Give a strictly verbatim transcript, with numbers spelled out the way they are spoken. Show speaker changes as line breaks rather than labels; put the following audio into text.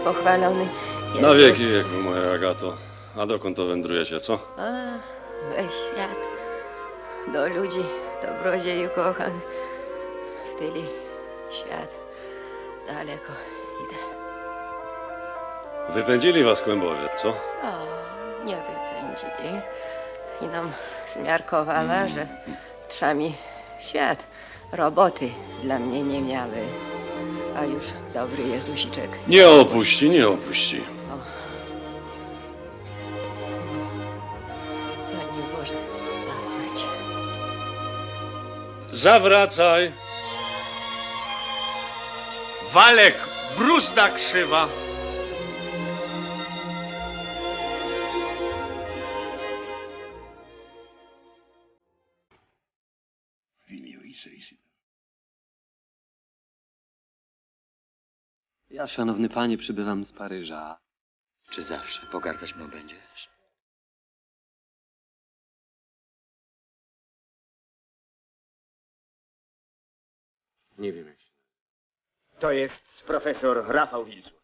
pochwalony.
Na wieki wieku, moja Agato. A dokąd to wędrujecie, co?
A, we świat, do ludzi, dobrodzieju kochany. W tyli świat daleko idę.
Wypędzili was kłębowie, co?
O, nie wypędzili. I nam zmiarkowała, że trza mi świat. Roboty dla mnie nie miały. A już dobry Jezusiczek.
Nie opuści, nie opuści.
Panie Boże, zapłać.
Zawracaj!
Walek, bruzda krzywa.
Ja, szanowny panie, przybywam z Paryża.
Czy zawsze pogardzać mną będziesz?
Nie wiem jak się...
To jest profesor Rafał Wilczuk.